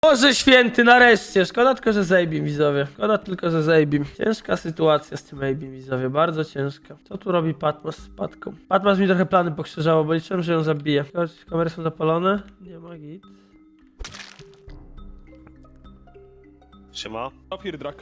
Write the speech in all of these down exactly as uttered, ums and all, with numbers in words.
Boże święty, nareszcie. Szkoda tylko, że zajbim, widzowie. Szkoda tylko, że zajbim. Ciężka sytuacja z tym zajbim, widzowie. Bardzo ciężka. Co tu robi Patmos z Patką? Patmos mi trochę plany pokrzyżało, bo liczyłem, że ją zabije. Kamery są zapalone. Nie ma git. Siema. Opierdrak.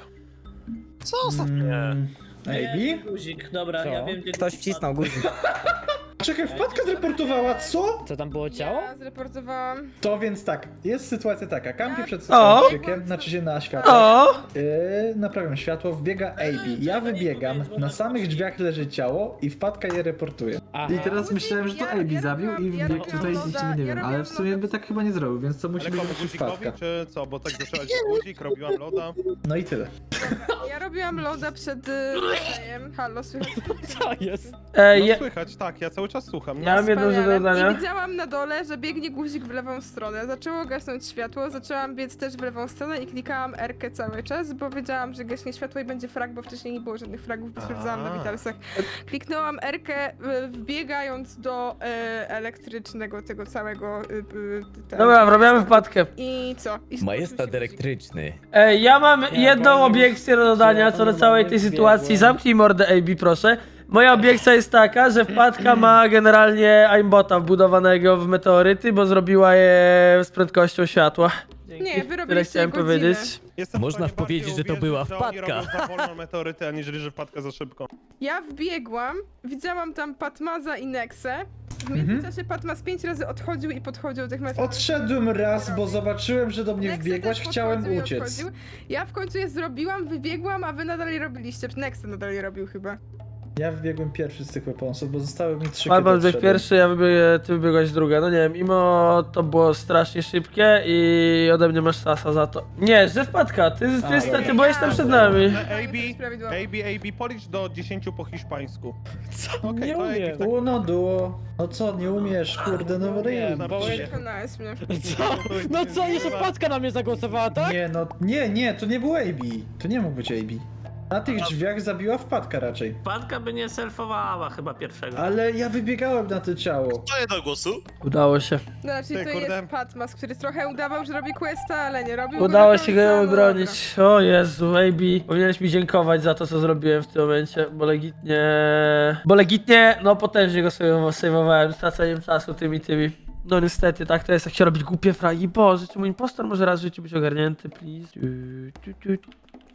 Co ostatnio? Mm, Maybe? Guzik, dobra, Co? ja wiem gdzie... Ktoś wcisnął guzik. Czekaj, wpadka zreportowała, co? Co tam było ciało? Ja zreportowałam. To więc tak, jest sytuacja taka, kampię przed O! systemem, znaczy się na światło. O! Yy, naprawiam światło, wbiega A B. Ja wybiegam, na samych drzwiach leży ciało i wpadka je reportuje. Aha. I teraz myślałem, że to Ja- A B ja zabił robiłam- i ja wbiegł robiłam tutaj loda, i nie ja wiem, robiłam ale w sumie loda by tak chyba nie zrobił, więc to musi Ale być komu jakiś guzikowi, wpadka. czy co? Bo tak zaczęłaś guzik, robiłam loda. No i tyle. Ja robiłam loda przed y, rodzajem. Halo, słychać? Co jest? Ej, No je... słychać, tak, ja cały czas słucham. Ja mam jedno rzecz do Wspaniale. dodania. I widziałam na dole, że biegnie guzik w lewą stronę. Zaczęło gasnąć światło, zaczęłam biec też w lewą stronę i klikałam R-kę cały czas, bo wiedziałam, że gaśnie światło i będzie frag, bo wcześniej nie było żadnych fragów, bo sprawdzałam na A. Vitalsach. Kliknęłam R-kę y, wbiegając do y, elektrycznego tego całego... Y, y, ten- Dobra, robiamy wpadkę. I co? I Majestat skończył się guzik. elektryczny. Ej, ja mam Ja jedną powiem, obiekcję do dodania że co do ja całej tej normalnie sytuacji. wbiegłem. Zamknij mordę A B, proszę. Moja obiekcja jest taka, że wpadka ma generalnie aimbota wbudowanego w meteoryty, bo zrobiła je z prędkością światła. Dzięki. Nie, wy Tyle robiliście chciałem godzinę. powiedzieć. Jestem Można w stanie powiedzieć, bardziej że to uwierzyć, była że oni wpadka. robią za wolno meteoryty, aniżeli że wpadka za szybko. Ja wbiegłam, widziałam tam Patmaza i Nexę. W Mhm. międzyczasie Patmaz pięć razy odchodził i podchodził do tych meteorytów. Odszedłem raz, bo zobaczyłem, że do mnie Nexa wbiegłaś, też chciałem podchodził i uciec. odchodził. Ja w końcu je zrobiłam, wybiegłam, a wy nadal je robiliście. Nexa nadal je robił chyba. Ja wbiegłem pierwszy z tych weaponsów, bo zostały mi trzy Albo kiedy wybiegł odszedłem. pierwszy, ja wybiegł, ty wybiegłaś druga. No nie wiem, mimo to było strasznie szybkie i ode mnie masz sasa za to. Nie, że wpadka, ty, ty, ty, ty, ty byłeś tam przed nami. A To B, jest prawidłowo. A B, A B, policz do dziesięciu po hiszpańsku. Co? Okej, Nie to umiem. jakiś tak- Uno, duo. No co, nie umiesz, kurde, no ryj. bo- Przekonałeś mnie. Co? No co, jeszcze paczka na mnie zagłosowała, tak? Nie, no, nie, nie, to nie był A B. To nie mógł być A B. Na tych drzwiach zabiła wpadka raczej. Wpadka by nie selfowała chyba pierwszego. Ale ja wybiegałem na to ciało. To nie do głosu. Udało się. No, czyli Ty, to kurde. jest Patmaz, który trochę udawał, że robi questa, ale nie robił. Udało do się końca, go no obronić. O Jezu, A B. Powinieneś mi dziękować za to, co zrobiłem w tym momencie, bo legitnie... Bo legitnie, no potężnie go sobie sejwowałem, straceniem czasu tymi, tymi. No niestety, tak to jest, jak się robić głupie fragi. Boże, czy mój impostor może raz w życiu być ogarnięty, please? Tu, tu, tu.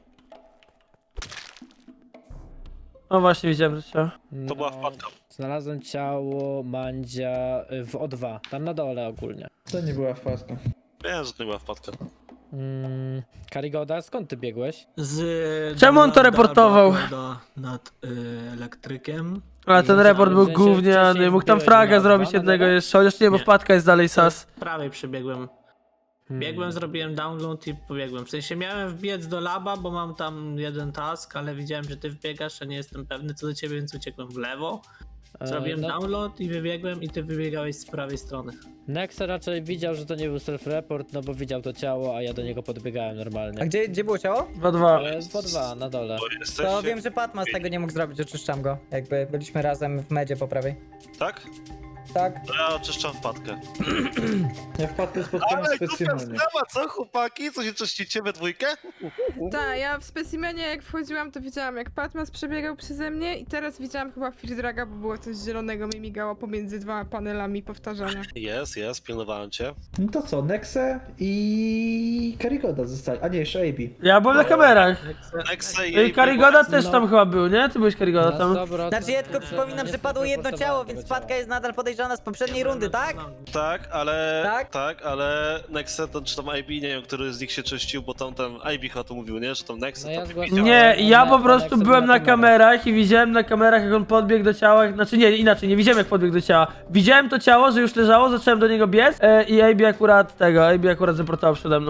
O właśnie, widziałem, że ciało. To była wpadka. Znalazłem ciało Mandzia y, w O dwa, tam na dole ogólnie. To nie była wpadka. Wiem, że to nie była wpadka. Mm, Karigoda, skąd ty biegłeś? Z... Czemu on to reportował? Do, nad y, elektrykiem. Ale ten I report był w sensie gówniany, wcześniej mógł tam wbiłeś fraga na zrobić dwa, na jednego dole? jeszcze, chociaż nie, bo Nie. wpadka jest dalej sas. Prawej przebiegłem. Hmm. Biegłem, zrobiłem download i pobiegłem. W sensie miałem wbiec do laba, bo mam tam jeden task, ale widziałem, że ty wbiegasz, a nie jestem pewny co do ciebie, więc uciekłem w lewo. E, Zrobiłem no, download i wybiegłem i ty wybiegałeś z prawej strony. Nexa raczej widział, że to nie był self-report, no bo widział to ciało, a ja do niego podbiegałem normalnie. A gdzie, gdzie było ciało? dwa dwa. Ale jest w O dwa, na dole. Bo jesteście... To wiem, że Patmas tego nie mógł zrobić, oczyszczam go. Jakby byliśmy razem w medzie po prawej. Tak? Tak? To ja oczyszczam wpadkę. Ja wpadkę spotkałem Ale głupia specjalnie. sprawa, co chłopaki? Co się czyścicie we dwójkę? Tak, ja w specimenie jak wchodziłam, to widziałam jak Patmaz przebiegał przeze mnie i teraz widziałam chyba Firdraga, bo było coś zielonego mi migało pomiędzy dwoma panelami powtarzania. Jest, jest, pilnowałem cię. No to co, Nexe i Karigoda zostali. A nie, jeszcze A B. Ja byłem na kamerach. Nexe I i Karigoda też No. tam chyba był, nie? Ty byłeś Karigoda Na tam. sto procent Znaczy ja tylko nie- przypominam, nie że padło jedno self-reportowałem ciało, tego więc ciała. Patka jest nadal podejrzana z poprzedniej rundy, tak? Tak, ale... Tak? Tak, ale Nexe, to, czy tam A B, nie wiem, który z nich się czyścił, bo tam ten A B chyba to mówił, nie? Że tam Nexe No ja tam zgłaszałem. widział. Nie, Ale ja one- po one prostu jak są byłem na na kamerach i widziałem na kamerach, jak on podbiegł do ciała. Znaczy nie, inaczej, nie widziałem jak podbiegł do ciała. Widziałem to ciało, że już leżało, zacząłem do niego biec e, i A B akurat tego, A B akurat zaportował przede mną. Albo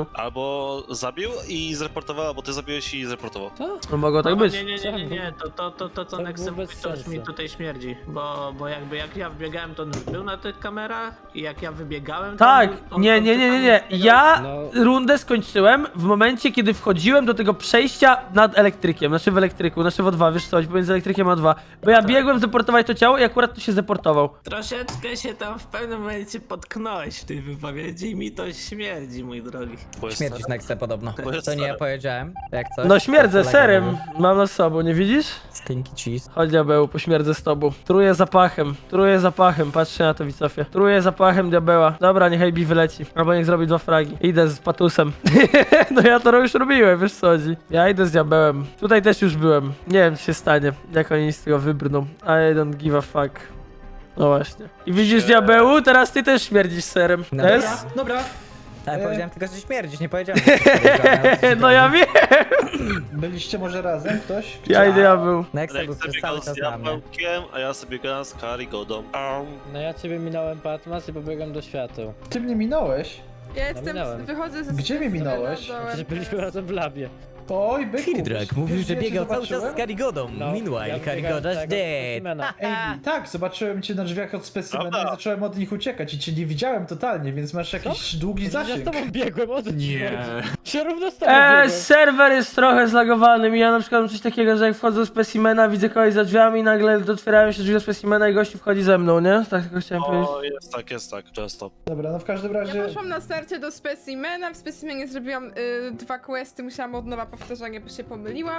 bo zabił i zreportowała, bo ty zabiłeś i zreportował. Co? No mogło tak być. Nie, nie, nie, nie, nie, to, to, to, to co To Nexem było mówi, bez to już mi sensu. tutaj śmierdzi, bo, bo jakby jak ja wbiegałem, to on już był na tych kamerach i jak ja wybiegałem, to Tak, on, on, nie, on nie, nie, nie, totalnie nie. wbiegał. Ja No. rundę skończyłem w momencie, kiedy wchodziłem do tego przejścia nad elektrykiem, znaczy w elektryku, znaczy w O dwa, wiesz co, pomiędzy elektrykiem a O dwa. Bo ja biegłem zdeportować to ciało i akurat tu się zdeportował. Troszeczkę się tam w pewnym momencie potknąłeś w tej wypowiedzi i mi to śmierdzi, mój drogi. Bo jest Śmierdzisz Nexe podobno. Bo jest To nie ja stary. powiedziałem. Jak coś. No śmierdzę, to serem. mówił. Mam na sobą, nie widzisz? Stinky cheese. Chodź diabeł, pośmierdzę z tobą. Truję zapachem, truję zapachem, patrzcie na to widzowie. Truję zapachem diabeła. Dobra, niech A B wyleci, albo niech zrobi dwa fragi. Idę z patusem. No ja to już robiłem, wiesz co chodzi. Ja idę z diabełem. Tutaj też już byłem. Nie wiem co się stanie, jak oni z tego wybrną. I don't give a fuck. No właśnie. I widzisz diabełu? Teraz ty też śmierdzisz serem. No To dobra. jest? Dobra, Ale E. powiedziałem tylko, że śmierdzisz, nie powiedziałem. że jesteś No ja wiem. byliście może razem ktoś? Ja i diabeł. Nexe był Nexe przez biegał cały z czas na mnie. diabełkiem, a ja sobie grałem z Karigodą. Am. No ja ciebie minąłem Patmas i pobiegłem do świateł. Ty mnie minąłeś? Ja jestem, minąłem. wychodzę ze Gdzie mnie minąłeś? do- Przecież byliśmy razem w labie. Oj, byku. Firdrak mówił, Wiesz, że ja cię biegał cały czas z zobaczyłem? Karigodą. No, Meanwhile, ja Karigoda's wybiegałem z tego dead. specimena. Ej, tak, zobaczyłem cię na drzwiach od specimena Prawda? i zacząłem od nich uciekać i cię nie widziałem totalnie, więc masz jakiś długi Ja z zasięg. tobą biegłem, o co ci chodzi? Się równo z tobą Eee, biegłem. serwer jest trochę zlagowany. Mi ja na przykład mam coś takiego, że jak wchodzę do specimena, widzę kogoś za drzwiami i nagle otwierają się drzwi do specimena i gościu wchodzi ze mną, nie? Tak tylko chciałem powiedzieć. O, jest tak, jest tak, często. Dobra, no w każdym razie... Ja poszłam na starcie do specimena, w specimenie zrobiłam y, dwa questy, musiałam od nowa powtarzanie, bo się pomyliłam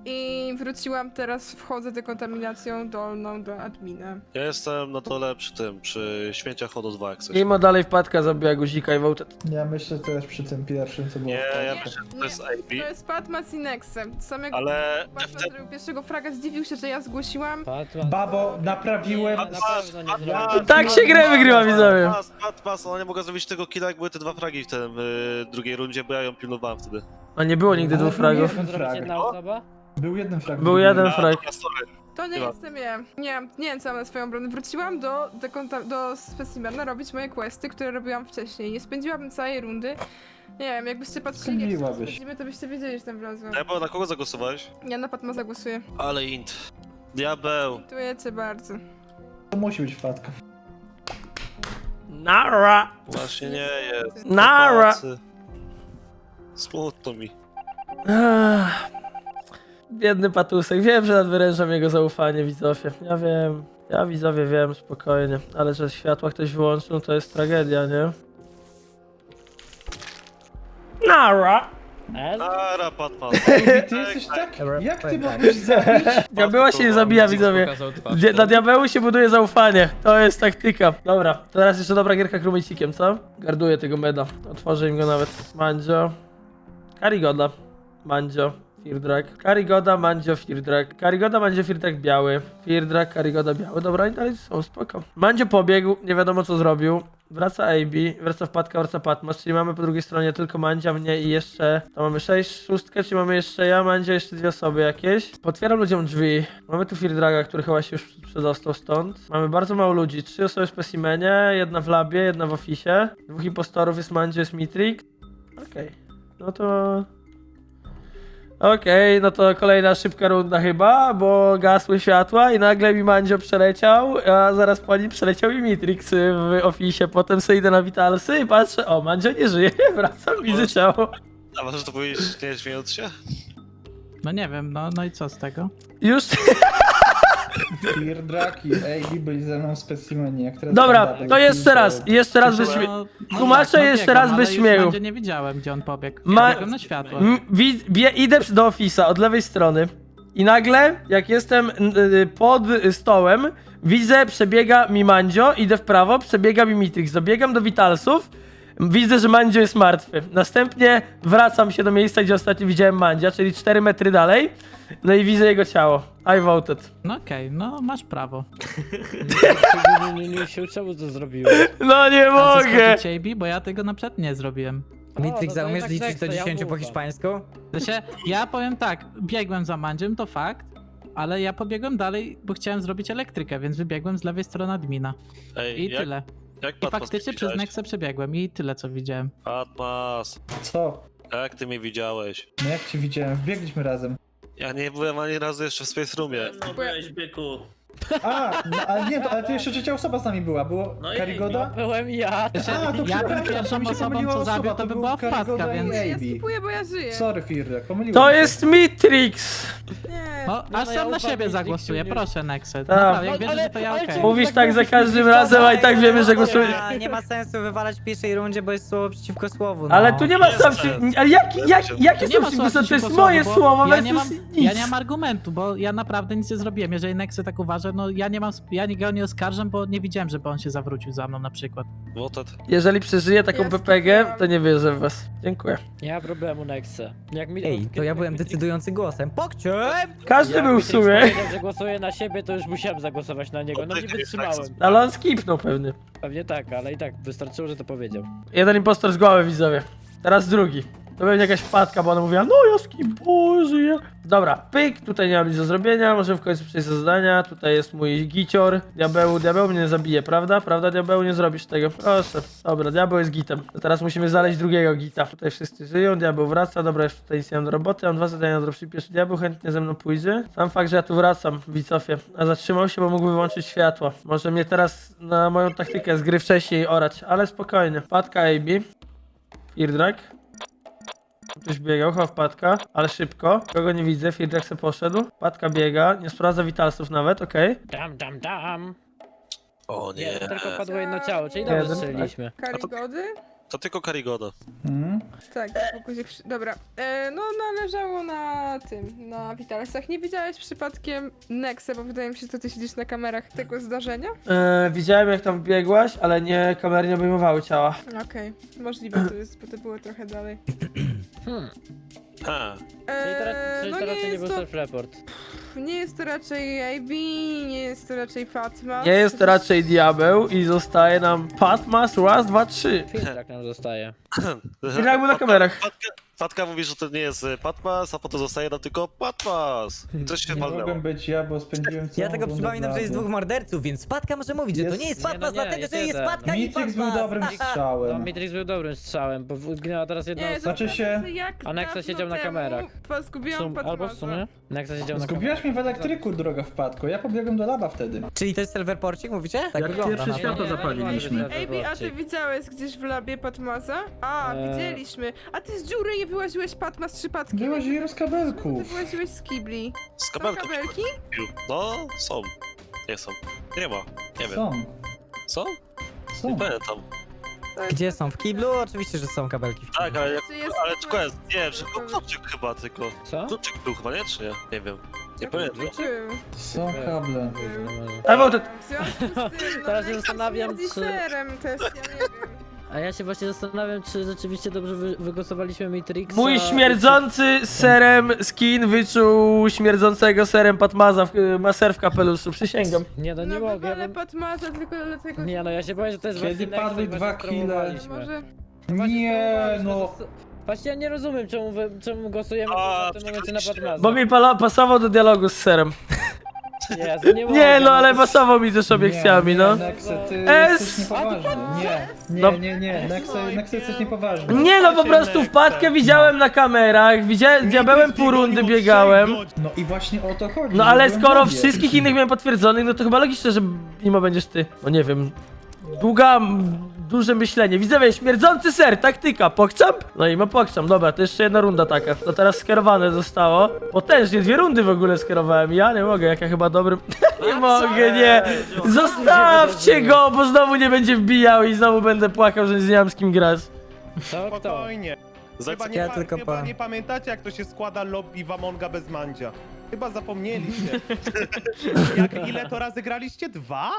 i wróciłam teraz, wchodzę dekontaminacją dolną do admina. Ja jestem na dole przy tym, przy śmieciach od O dwa, jak coś. Mimo dalej wpadka zabija guzika i voted. Ja myślę też przy tym pierwszym, co było Nie, w ja końcu. myślę, że to jest A B, To jest Patmas i Nexe. Samego ale Patmas zrobił pierwszego fraga, zdziwił się, że ja zgłosiłam. Patmas. Babo, naprawiłem... Na pewno nie Ja- zrobię. Tak się grę wygrywa, widzowie. Pas, pas, pas, ona nie mogła zrobić tego killa, jak były te dwa fragi w tym y, drugiej rundzie, bo ja ją pilnowałem wtedy. A nie było nigdy Ale dwóch był fragów. jeden Zrobić frag. jedna osoba? Był jeden frag. Był jeden A, frag. dobra, sorry. To nie Chyba. jestem ja. Nie wiem, nie wiem co mam na swoją obronę. Wróciłam do, dekonta- do specimena robić moje questy, które robiłam wcześniej. Nie spędziłabym całej rundy. Nie wiem, jakbyście patrzyli, jak się Spędziłabyś. spędzimy, to byście wiedzieli, że tam wlazłam. Nebo, na kogo zagłosowałeś? Ja na Patma zagłosuję. Ale int. Diabeł. Dziękuję cię bardzo. To musi być wpadka. Nara. Właśnie nie jest. Nara. Chłopacy. Smutno mi. Ech. Biedny patusek. Wiem, że nadwyrężam jego zaufanie, widzowie. Ja wiem. Ja widzowie wiem, spokojnie. Ale że światła ktoś wyłączył, to jest tragedia, nie? Nara. E? Nara, Patman. Ej, ty jesteś tak... Dobra, Jak ty powiem tak. mogłeś zabić? Diabeła się nie zabija, widzowie. Dia- Dla diabełu się buduje zaufanie. To jest taktyka. Dobra, teraz jeszcze dobra gierka krumicikiem, co? Garduję tego meda. Otworzę im go nawet. Mandzio. Karigoda. Mandzio. Firdrak. Karigoda, Mandzio, Firdrak. Karigoda, Mandzio, Firdrak biały. Firdrak, Karigoda biały. Dobra, i dalej są, spoko. Mandzio pobiegł, nie wiadomo co zrobił. Wraca A B, wraca wpadka, wraca Patmas, czyli mamy po drugiej stronie tylko Mandzia, mnie i jeszcze... To mamy sześć, szóstkę, czyli mamy jeszcze ja, Mandzia, jeszcze dwie osoby jakieś. Potwieram ludziom drzwi. Mamy tu Firdraga, który chyba się już przedostał stąd. Mamy bardzo mało ludzi, trzy osoby w specimenie, jedna w labie, jedna w oficie. Dwóch impostorów, jest Mandzio, jest Mitrix. Okej, no to... Okej, no to kolejna szybka runda chyba, bo gasły światła i nagle mi Mandzio przeleciał, a zaraz po nim przeleciał i Mitrix w oficie. Potem sobie idę na Vitalsy i patrzę, o, Mandzio nie żyje, wracam, widzę ciało. A możesz to powiedzieć, nie śmiejąc się? No nie wiem, no, no i co z tego? Już... Firdrak i A B byli ze mną w specimenie. Jak teraz Dobra, double to jeszcze kill, raz, jeszcze raz bez No, śmie... no Tłumaczę tak, no jeszcze biegam, raz ale bez już śmiechu. będzie nie widziałem, gdzie on pobiegł. Ma- Biegłem na światło. M- wi- bie- idę do ofisa od lewej strony i nagle, jak jestem y, pod stołem, widzę, przebiega mi Mandzio, idę w prawo, przebiega mi Mitrix, dobiegam do Vitalsów, widzę, że Mandzio jest martwy. Następnie wracam się do miejsca, gdzie ostatnio widziałem Mandzia, czyli cztery metry dalej, no i widzę jego ciało. I voted. No okej, no masz prawo. Nie, nie, nie, nie, czemu to zrobiłeś? No nie A mogę! zaskoczyć A B, bo ja tego na przykład nie zrobiłem. Mitrix, no a to umiesz jednak liczyć Nexe, do ja dziesięciu po ufam. hiszpańsku? To się, ja powiem tak, biegłem za Mandziem, to fakt, ale ja pobiegłem dalej, bo chciałem zrobić elektrykę, więc wybiegłem z lewej strony admina. Ej, I jak, tyle. jak I Patmas faktycznie nie przez widziałeś? Nexę przebiegłem i tyle co widziałem. Patmas. Co? A jak ty mnie widziałeś? No jak cię widziałem, wbiegliśmy razem. Ja nie byłem ani razu jeszcze w Space Roomie. No byłeś, byku. A, no, ale nie, to, ale to jeszcze trzecia osoba z nami była, było No i- Karigoda? Byłem ja. A, to ja bym przepraszam, pierwszą mi się osobą, pomyliła co osoba, zabił, to by był była wpadka, Karigoda i więc... Ja Amy. skipuję, bo ja żyję. Sorry, Firlek, pomyliłem To się. jest Mitrix! Nie. No, no aż ja sam na ufam siebie tej zagłosuję, Dixie, proszę Nexet. Tak. Naprawdę, jak No, wierzę, ale- że to ja ale okej. czy- Mówisz tak za każdym razem, a i tak wiemy, że głosuje. A, nie ma sensu wywalać w pierwszej rundzie, bo jest słowo przeciwko słowu. No. Ale tu nie ma Jest sam sens. Ale jak, jak, jakie To są nie ma przeciwko słowa To jest przeciwko moje słowu, bo słowo ja nie, mam, versus ja nic. nie mam argumentu, bo ja naprawdę nic nie zrobiłem. Jeżeli Nexy tak uważa, no ja nie mam, ja nie, go nie oskarżam, bo nie widziałem, żeby on się zawrócił za mną na przykład. Wotet. Jeżeli przeżyję taką Ja P P G, skipuję. to nie wierzę w was. Dziękuję. Nie ma problemu, Nexe. Jak mi, Ej, to ja byłem decydującym głosem. Pokciem! Każdy Jak był w Mitrix sumie. powiedział, że głosuje na siebie, to już musiałem zagłosować na niego. No nie wytrzymałem. Ale on skipnął pewnie. Pewnie tak, ale i tak wystarczyło, że to powiedział. Jeden impostor z głowy, widzowie. Teraz drugi. To będzie jakaś wpadka, bo ona mówiła, no ja skip, żyję. Dobra, pyk, tutaj nie mam nic do zrobienia, możemy w końcu przejść do zadania. Tutaj jest mój gicior. Diabeł, diabeł mnie nie zabije, prawda? Prawda, diabeł, nie zrobisz tego. Proszę. Dobra, diabeł jest gitem. To teraz musimy znaleźć drugiego gita. Tutaj wszyscy żyją, diabeł wraca. Dobra, już tutaj nic nie mam do roboty. Mam dwa zadania na dropshipie. Pierwszy diabeł chętnie ze mną pójdzie. Sam fakt, że ja tu wracam, Wicofie. A zatrzymał się, bo mógł wyłączyć światło. Może mnie teraz na moją taktykę z gry wcześniej orać, ale spokojnie. Wpadka A B. Firdrack. Ktoś biegał, chyba wpadka, ale szybko. Kogo nie widzę, Firdrack se poszedł. Wpadka biega, nie sprawdza witalsów nawet, okej. Dam, dam, dam. O Nie, nie. to tylko padło jedno ciało, czyli Jeden, dobrze strzeliliśmy. Karigody? To tylko Karigoda. Mhm. Tak, bo guzik przy... Dobra. E, no należało na tym, na Witalsach. Nie widziałeś przypadkiem Nexe, bo wydaje mi się, że ty siedzisz na kamerach tego zdarzenia? Eee, widziałem jak tam biegłaś, ale nie, kamery nie obejmowały ciała. Okej, możliwe to jest, bo to było trochę dalej. Hmm. Ha. Czyli to, ra- E, czyli no to nie raczej nie jest był to, self-report. nie jest to raczej A B, nie jest to raczej Fatma. Nie jest to raczej diabeł i zostaje nam Patmas, raz, dwa, trzy. Filtrak nam zostaje. Firdrack był na kamerach. Fatka, Fatka mówi, że to nie jest y, Patmas, a potem zostaje nam tylko Patmas. Coś się Nie walnęło. mogłem być ja, bo spędziłem całą Ja tego rundę przypominam, w że jest labu. dwóch morderców, więc Spadka może mówić, że to Jest- nie jest Nie, no Patmas, nie, dlatego jest że jest jeden. Spadka i Mitrix był Patmas. dobrym No, strzałem. Mitrix był dobrym strzałem, bo zginęła teraz jedna Nie, osoba. Znaczy się- jak A Nexa dawno siedział na temu kamerach. po- Zgubiłam Sum, albo w Patmasa. sumie? Nexa siedział na Zgubiłaś mnie w elektryku, droga wpadko. Ja pobiegłem do laba wtedy. Czyli to jest self-reporcik, mówicie? Tak Jak wygląda pierwsze na to. światło Nie, nie, zapaliliśmy. nie, nie, nie, Ej, a ty widziałeś gdzieś w labie Patmasa? A, Eee. widzieliśmy. A ty z dziury nie wyłaziłeś Patmas przypadkiem? Wyłaziłem z Ty kabelków. wyłaziłeś z kibli. Z Są kabelką. kabelki? No, są. Nie są. Nie ma. Nie wiem. Są, Co? są. Nie pamiętam. Gdzie są? W kiblu? Oczywiście, że są kabelki w kiblu. Tak, ale, jak, Czy jest ale Patmas? quest, nie wiem, czy był kluczyk chyba tylko. Co? Kluczyk był chyba, nie? Czy nie? Nie wiem. Nie pamiętam. Był. Są kable. A wołtet. W związku z tym, no, Teraz się Nexa zastanawiam, śmierdzi czy- serem, to jest, ja nie wiem. A ja się właśnie zastanawiam, czy rzeczywiście dobrze wy wygłosowaliśmy Matrixa. Mój śmierdzący serem skin wyczuł śmierdzącego serem Patmaza, w, ma ser w kapeluszu, przysięgam. Nie no, nie No mogę. wywalę Bo... Patmasa tylko dlatego, Nie no, ja się boję, że to jest Kiedy właśnie Nexa padły i dwa właśnie kile. spróbowaliśmy. może... Właśnie Nie, spróbowaliśmy, no. zosta- Właśnie ja nie rozumiem, czemu, wy, czemu głosujemy A, w tym momencie na przegraliście. Patmaza. Bo mi pala, pasował do dialogu z serem. Jezu, nie, Nie mogę, no, ale pasował mi też obiekcjami, no. Nexe, ty S. jesteś niepoważny. Nie, No. nie, nie, nie. Nexe, Nexe jesteś niepoważny. Nie no, po prostu wpadkę widziałem na kamerach, widziałem, z diabełem pół rundy biegałem. No i właśnie o to chodzi. No że ale byłem skoro w labie. wszystkich innych miałem potwierdzonych, no to chyba logiczne, że mimo będziesz ty. No nie wiem. Długa, m, duże myślenie. Widzowie, śmierdzący ser, taktyka, pokczam? No i ma pokczam, dobra, to jeszcze jedna runda taka. To teraz skierowane zostało. Potężnie, dwie rundy w ogóle skierowałem. Ja nie mogę, jak ja chyba dobrym... nie mogę, nie. Zostawcie go, bo znowu nie będzie wbijał i znowu będę płakał, że nie mam z kim grać. Co, kto? Spokojnie. Chyba, nie, Ja pa- tylko chyba pa- nie pamiętacie, jak to się składa lobby w Amonga bez mandzia. Chyba zapomnieliście. jak, ile to razy graliście? Dwa?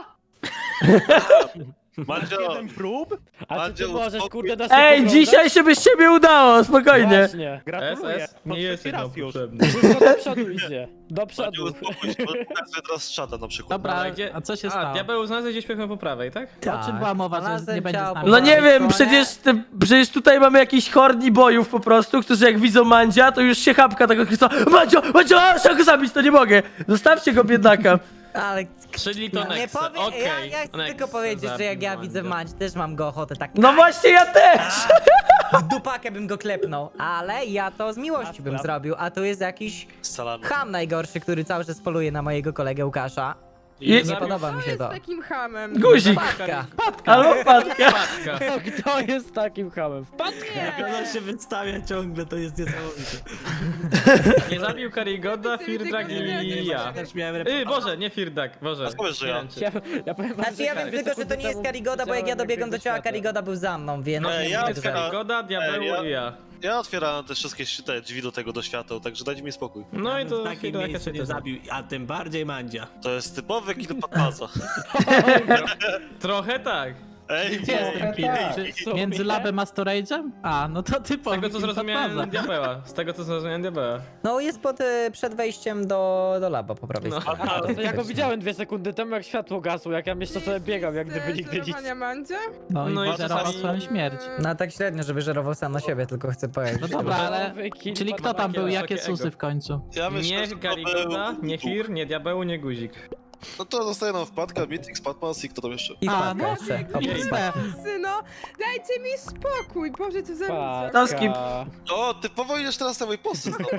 Mandzio, Jeden prób? A czy ty Andzieł, możesz, spokój. kurde, nas Ej, oglądać? dzisiaj się by z ciebie udało, spokojnie. Właśnie. Gratuluję. To trzeci raz już. Wszystko do przodu idzie. Do Mandzio, przodu. uspokój się, bo tak sobie teraz z czata na przykład. Dobra, Ale gdzie- a co się A, stało? diabeł znalazł gdzieś po prawej, tak? O czym była mowa, że znalazłem nie będzie z ciało nami? No nie prawej wiem, stronie. przecież, te, przecież tutaj mamy jakiś horni bojów po prostu, którzy jak widzą Mandzia, to już się chapka tego Chrystusa. Mandzio, Mandzio, a, trzeba go zabić, to nie mogę. Zostawcie go, biednaka. Ale Czyli to nie Nexe, powiem, okej. ja, ja chcę Nexe tylko powiedzieć, że jak ja zabił widzę Mandzia. Mandzi, też mam go ochotę tak No właśnie ja też! w dupakę bym go klepnął, ale ja to z miłości bym zrobił, a tu jest jakiś Z salami. ham najgorszy, który cały czas poluje na mojego kolegę Łukasza. I- Nie zabił podoba mi Kto się jest to. takim hamem? Guzik! Patka. Albo wpadka! Patka. Kto jest takim hamem? Nie. Ona się wystawia ciągle, to jest niesamowite. Nie zabił Karigoda, Firdak i ja. Y, Boże, nie Firdak, Boże. A skąd, że ja? Ja, ja powiem wam, Znaczy ja wiem dwie tylko, że to sekundy nie jest temu Karigoda, bo jak ja widziałem, dobiegłem do biegł ciała, światła. Karigoda był za mną, więc... No, ja nie Jest wiem. Karigoda, Diabeł Ej, ja- i ja. Ja otwierałem te wszystkie te drzwi do tego do świateł, także dajcie mi spokój. No i to w takim Firdak miejscu się nie zabił, a tym bardziej Mandzia. To jest typowy kill Patmaza. Trochę tak. Ej, Gdzie jest ten kill? Czy między labem a storage'em? A, no to ty Z tego co zrozumiałem Fatmaza. Diabeła. Z tego co zrozumiałem Diabeła. No jest pod, y, przed wejściem do, do laba po prawej No. stronie. A, to ja go widziałem dwie sekundy temu, jak światło gasło, jak ja jeszcze sobie biegam, jak gdyby nigdy nic. Sterowania Mandzia? No i No i zerował czasami- swoją śmierć. No tak średnio, żeby żerował sam na siebie, tylko chcę powiedzieć. No dobra, ale... Nowy kill Czyli kto tam był, Wysokie jakie ego. susy w końcu? ja myślę, Nie że to Karigoda, był- nie Fir, nie Diabeł, nie Guzik. No to zostaje nam wpadka, Mythic, Patmas i kto tam jeszcze? I A, wpadka no, jeszcze. I Ste. Syno, dajcie mi spokój, Boże, co za ludzie. To z kim? O, typowo idziesz teraz na mój post. No.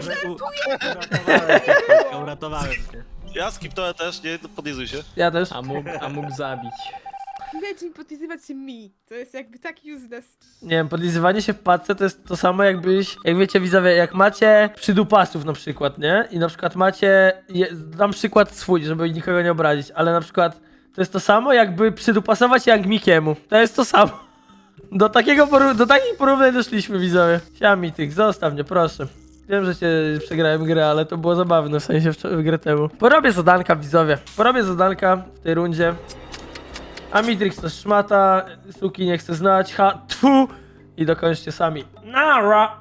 Uratowałem cię. Ja skipnąłem też, nie podjezuj się. Ja też. A mógł, a mógł zabić. Wiecie, podpisywać się mi. To jest jakby tak useless. Nie wiem, podlizywanie się w padce to jest to samo jakbyś, jak wiecie widzowie, jak macie przydupasów na przykład, nie? I na przykład macie, je, dam przykład swój, żeby nikogo nie obrazić, ale na przykład to jest to samo jakby przydupasować Young Mikiemu. To jest to samo. Do takiego poru- do takich porównań doszliśmy widzowie. Siami tych, zostaw mnie proszę. Wiem, że cię przegrałem grę, ale to było zabawne, w sensie w, w grę temu. Porobię zadanka widzowie, porobię zadanka w tej rundzie. A Mitrix to szmata, suki nie chce znać, ha, tfu i dokończcie sami. Nara!